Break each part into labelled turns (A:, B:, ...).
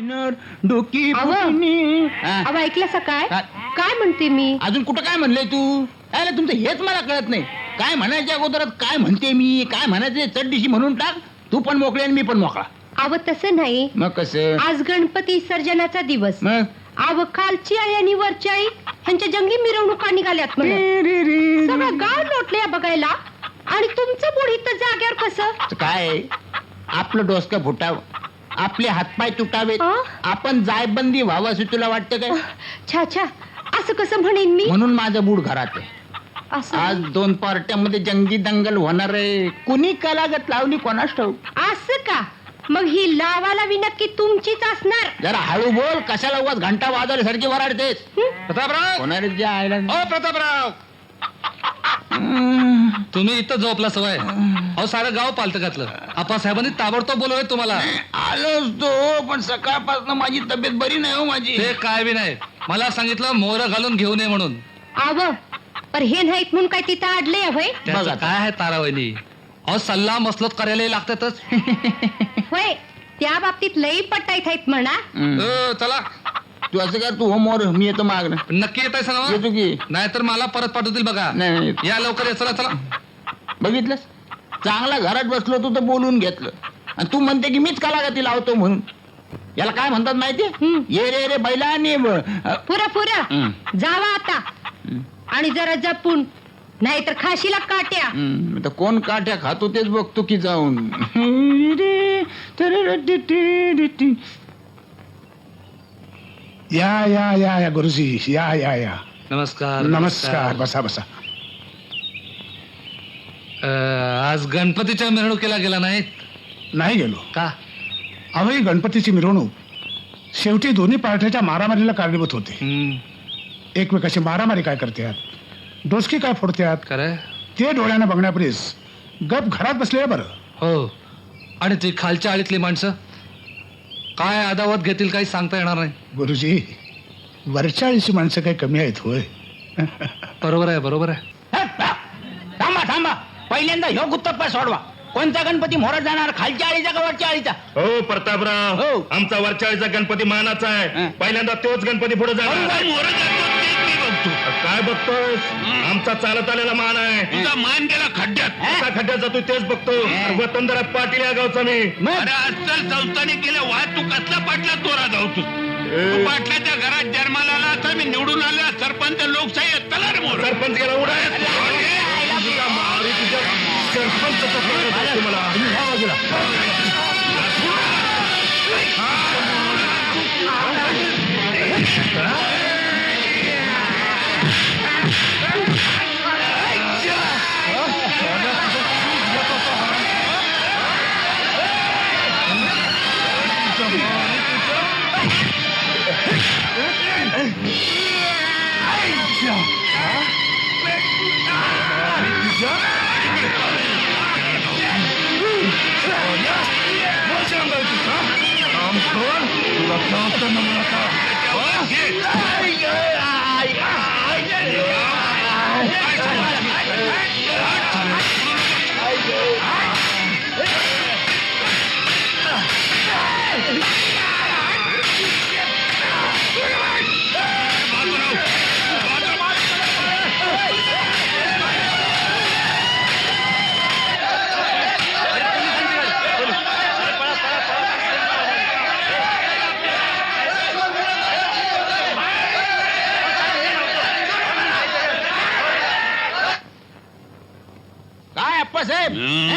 A: Designer डोकी
B: अहो.
A: फुटणी. हा.
B: अहो ऐकलं काय
A: काय?
B: काय म्हणते मी?
A: अजून कुठं काय म्हणलंय तू? अरे तुमचं हेच मला कळत नाही. काय म्हणायच्या अगोदरात काय म्हणते मी, काय म्हणायचे चढदिशी म्हणून टाक. तू पण मोकळे आणि मी पण मोकळा.
B: अहो तसं नाही,
A: मग कसं?
B: आज गणपती विसर्जनाचा दिवस.
A: मग
B: अहो खालची आई आणि वरची आई ह्यांच्या जंगली मिरवणुका निघाल्यात म्हणून सगळं गाव लोटले बघायला, आणि तुमचं बुड इथं जाग्यावर कसं?
A: काय आपलं डोसकं फुटावं, आपले हातपाय तुटावेत,
B: हा?
A: आपण जायबंदी व्हावं असं तुला वाटतं काय?
B: छा छा, असं कसं म्हणेन मी?
A: म्हणून माझं बूड घरात आहे.
B: असं
A: आज 2 पार्ट्यामध्ये जंगी दंगल होणार आहे. कुणी कलागत लावली कोणास ठाऊक.
B: असं का? मग ही लावालावी नक्की तुमचीच असणार.
A: जरा हळू बोल, कशाला उगाच घंटा वाजवल्यासारखी वराडतेस.
C: प्रतापराव,
A: कोणाला जे आयला
C: ओ प्रतापराव, तुम्ही इथं झोपला सवय. अहो सारं गाव पालत घातलं. आप्पासाहेबांनी ताबडतोब बोलवलंय तुम्हाला.
A: आलोच तो, पण सकाळपासून माझी तब्येत बरी नाही हो माझी.
C: ते काय बी नाही, मला सांगितलं मोहर घालून घेऊ नये म्हणून.
B: आव पर हे नाहीत म्हणून काय तिथं अडले होय?
C: त्याचं
A: बघा.
C: काय आहे तारावणी. अहो सल्ला मसलत करायला लागतातच.
B: होय, त्या बाबतीत लई पटाईत आहेत म्हणा.
C: चला
A: तू असं कर, तू होमवर मी येतो मागणं.
C: नक्की येत आहे
A: येतो की.
C: नाहीतर मला परत पाठवतील बघा.
A: नाही
C: या लवकर या, चला चला.
A: बघितलंस, चांगला घरात बसलो तू तर बोलून घेतलं, आणि तू म्हणते की मीच कलागती लावतो म्हणून. याला काय म्हणतात माहितीये? ये रे रे बैला आणि
B: पुरा पुरा जावा आता, आणि जरा जपून, नाहीतर खाशीला काट्या.
A: तर कोण काठ्या खातो तेच बघतो की जाऊन.
D: या या या या गुरुजी, या या या.
C: नमस्कार.
D: नमस्कार, बसा बसा.
C: आज गणपतीच्या मिरवणुकीला गेला नाहीत
D: नाही गेलो.
C: का?
D: अहो ही गणपतीची मिरवणूक शेवटी दोन्ही पार्ट्याच्या मारामारीला कारणीभूत होते. एकमेकाशी मारामारी काय करतात, डोसकी काय फोडतात,
C: खरंय.
D: ते डोळ्यानं बघण्यापरीस गप घरात बसलेलं बरं.
C: हो, आणि ती खालच्या आळीतली माणसं काय अदावत घेतील काही सांगता येणार नाही.
D: गुरुजी, वरच्या आळीची माणसं काही कमी आहेत होय?
C: बरोबर आहे, बरोबर आहे.
A: थांबा थांबा, पहिल्यांदा ह्यो गुत्तप्पा सोडवा. कोणता गणपती मोहरात जाणार, खालच्या आळीचा का वरच्या आळीचा?
E: हो प्रतापराव,
A: हो.
E: आमचा वरचाळीचा गणपती मानाचा आहे.
A: हं.
E: पहिल्यांदा तोच गणपती पुढे जाणार. काय बघतोय? आमचा चालत आलेला मान आहे.
A: तुझा
E: मान गेला खड्ड्यात. आता खड्ड्यात जातो तेच बघतो. वतनदारात पाटील या गावचा मी.
A: मग
E: अस्सल संस्थाने केलं वाद, तू कसला पाटला तोरा जाऊ तू पाटलाच्या घरात जन्माला आला तर मी निवडून आलो. सरपंच लोकशाही सरपंच गेला उडा.
A: काय अप्पासाहेब,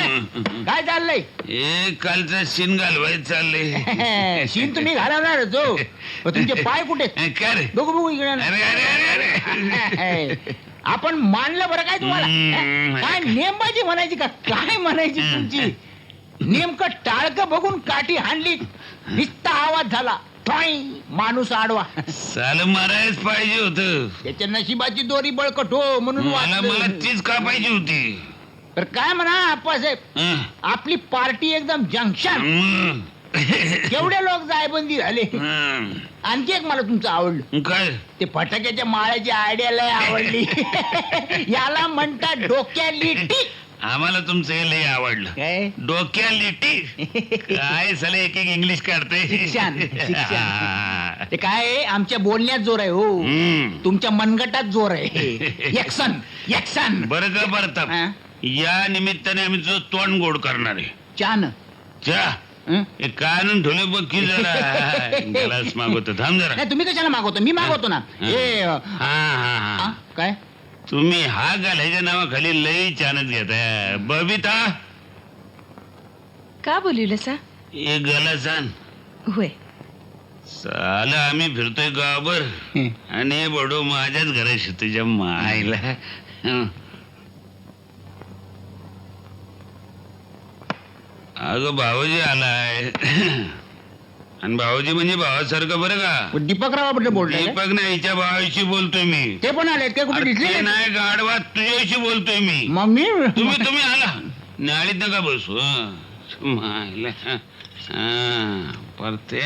A: काय चाललंय?
F: कालचा शिन घालवायचं चाललंय.
A: शीन तुम्ही घालवणार जो, पण तुमचे पाय कुठे?
F: काय रे?
A: बघू बघू इकडे.
F: अरे अरे अरे अरे
A: आपण मानलं बरं काय तुम्हाला? काय नेमबाजी म्हणायची का काय म्हणायची तुमची? नेमकं टाळकं बघून काठी हाणली, नुसता आवाज झाला, ठॉई, माणूस आडवा.
F: साल मारायच पाहिजे होत.
A: त्याच्या नशिबाची दोरी बळकट हो म्हणून
F: मला
A: वाचलं.
F: तीच का पाहिजे होती.
A: तर काय म्हणा आप्पासाहेब,
F: हं.
A: आपली पार्टी एकदम जंक्शन.
F: हं.
A: केवढे लोक जायबंदी झाले.
F: हं.
A: आणखी एक मला तुमचं आवडलं,
F: काय?
A: ते फटाक्याच्या माळ्याची आयडिया लय आवडली. याला म्हणतात डोक्याली टीक.
F: आम्हाला तुमचं हे लय आवडलं.
A: काय
F: डोक्या लिटी काय साले एक एक इंग्लिश काढते.
A: शिक्षण, शिक्षण. ते काय आहे, आमच्या बोलण्यात जोर आहे हो.
F: हम्म.
A: तुमच्या मनगटात जोर आहे. यक्सन यक्सन.
F: बरं का प्रताप,
A: हा?
F: या निमित्ताने आम्ही तुझं तोंड गोड करणार आहे.
A: चान
F: चा
A: हं?
F: हे कानून ठेवले बघ की जरा गलास मागवतो. थांब जरा.
A: नाही तुम्ही कशाला मागवतो, मी मागवतो ना.
F: हा.
A: हे
F: हा हा
A: हा,
F: हा
A: काय
F: तुम्ही हा घालायच्या नावाखाली लई चानत घेताय. बबिता
B: का बोलवलं सा?
F: एक गलास आण.
B: होय.
F: साला आम्ही फिरतोय गावावर
A: हं.
F: आणि हे बडो माझ्याच घराशी तुझ्या मायला. हं. अगं भाऊजी आलाय. आणि भाऊजी म्हणजे भावासारखं बरं का.
A: दीपकराव बद्दल बोलतोय का?
F: दीपक नाही, हिच्या भावाशी बोलतोय मी.
A: ते पण आलेत काय, कुठे
F: अरे
A: दिसले
F: ते
A: नाही?
F: नाही गाडवा, तुझ्याशी बोलतोय मी.
A: मम्मी
F: तुम्ही आला नाळीत नका बसू. मायला. परते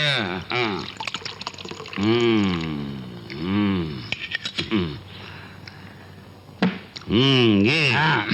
F: घे.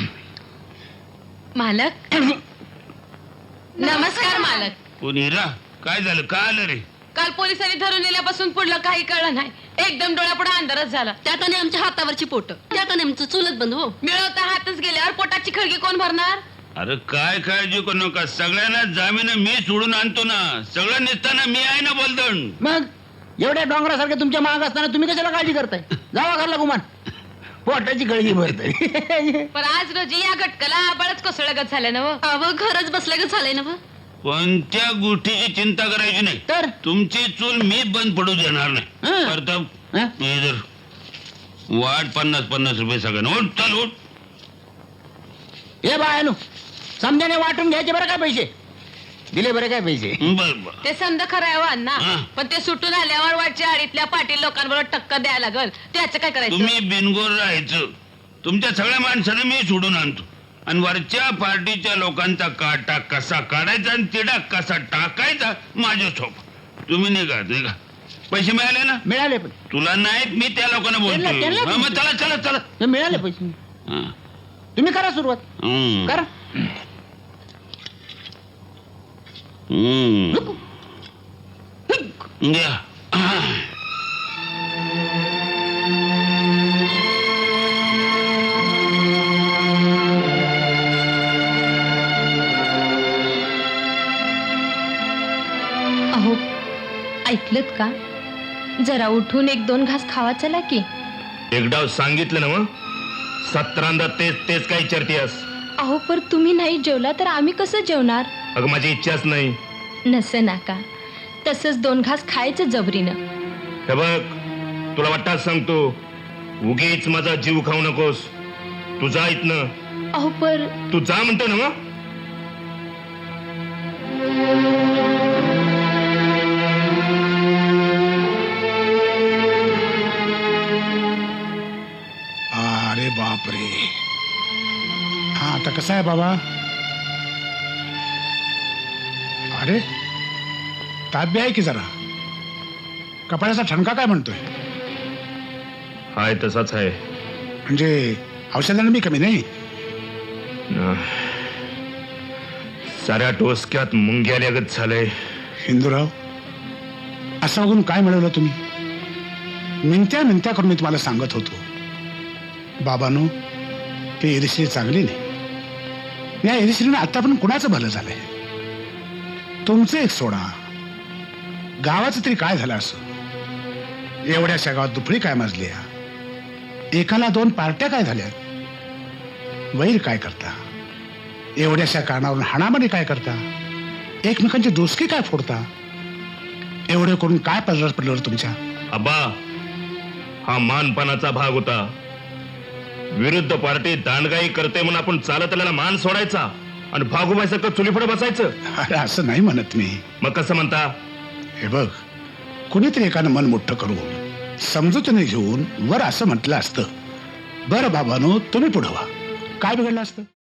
B: मालक नमस्कार मालक.
F: कोणी रा काय झालं, का आलं रे?
B: काल पोलिसांनी धरून नेल्यापासून पुढलं काही कळलं नाही. एकदम डोळ्यापुढे अंधारच झाला. त्यात आणि आमच्या हातावरची पोट, त्यात आणि आमचं चुलत बंद हो. मिळवता हातच गेल्यावर पोटाची खळगी कोण भरणार?
F: अरे काय काळजी करू नका, सगळ्यांना जामीन मी सोडून आणतो ना. सगळं निघताना मी आहे ना बोलदण.
A: मग एवढ्या डोंगरासारखे तुमच्या माग असताना तुम्ही कशाला काळजी करताय? जावा घरला गुमान, पोटाची गळगी भरते.
B: पण आज रोजी या घटकाला बळच कोसळगत झालं ना. अव घरच बसल्यागत झालंय ना.
F: कोणत्या गोष्टीची चिंता करायची नाही.
A: तर
F: तुमची चूल मी बंद पडू देणार नाही.
A: हं.
F: प्रताप
A: हं?
F: हे जर वाट 50-50 रुपये सगळ्यांना. उठ चल उठ.
A: हे बायनो समजाने वाटून घ्यायचे बरं काय पैसे दिले, बरं काय पैसे.
F: बर बर.
B: ते समजा खरं आहे अण्णा.
F: हं.
B: पण ते सुटून आल्यावर वाटच्या आडीतल्या पाटील लोकांबरोबर टक्कर द्यायला लागल. त्याचं काय करायचं?
F: तुम्ही बिनगोर राहायचं. तुमच्या सगळ्या माणसाला मी सोडून आणतो. आणि वरच्या पार्टीच्या लोकांचा काटा कसा काढायचा आणि तिडा कसा टाकायचा माझ्या सोबत. तुम्ही निघा. पैसे मिळाले ना?
A: मिळाले पण
F: तुला नाहीत, मी त्या लोकांना
A: त्यांना-
F: बोलतो.
A: त्यांना-
F: मग चला चला चला.
A: हे मिळाले पैसे.
F: हं.
A: तुम्ही करा सुरुवात,
F: हं.
A: करा.
F: हं. घ्या.
B: अहो ऐकलत का? जरा उठून 1-2 घास खावा चला की.
G: एकदा सांगितलं ना मग 17दा तेच तेच काही विचारतेस.
B: अहो पर तुम्ही नाही जेवला तर आम्ही कसं जेवणार?
G: अगं माझी इच्छाच नाही.
B: नसे नाका, तसंच 2 घास खायचं जबरीनं.
G: हे बघ, तुला वाटतं सांगतो, उगीच माझा जीव खाऊ नकोस. तू जा इथनं.
B: अहो पर
G: तू जा म्हणतो ना मग.
D: अरे बापरे. हा आता कसं आहे बाबा? अरे ताब्या आहे की जरा. कपाळाचा ठणका काय म्हणतोय?
G: हाय तसाच आहे.
D: म्हणजे औषधाने मी कमी नाही.
G: साऱ्या टोसक्यात मुंग्याल्यागत झालंय.
D: हिंदूराव, असं बघून काय मिळवलं तुम्ही? मिनत्या मिनत्या करून मी तुम्हाला सांगत होतो, बाबांनो, ते एरिश्री चांगली नाही. या एरिश्रीनं आता पण कुणाचं भलं झालंय? तुमचं एक सोडा, गावाचं तरी काय झालं असं? एवढ्याशा गावात दुफळी काय माजली? एकाला 2 पार्ट्या काय झाल्या? वैर काय करता? एवढ्याशा कारणावरून हाणामारी काय करता? एकमेकांची दोस्ती काय फोडता? एवढे करून काय पडलं पडलं तुमच्या?
G: अब्बा, हा मानपानाचा भाग होता. विरुद्ध पार्टी दांडगाई करते म्हणून आपण चालत आलेला मान सोडायचा आणि भागोबाईसारखं चुलीपुढे बसायचं?
D: अरे असं नाही म्हणत मी.
G: मग कसं म्हणता?
D: हे बघ, कुणीतरी एकानं मन मोठं करून समजूतीने घेऊन वर असं म्हटलं असतं, बरं बाबांनो तुम्ही पुढं व्हा, काय बिघडलं असतं?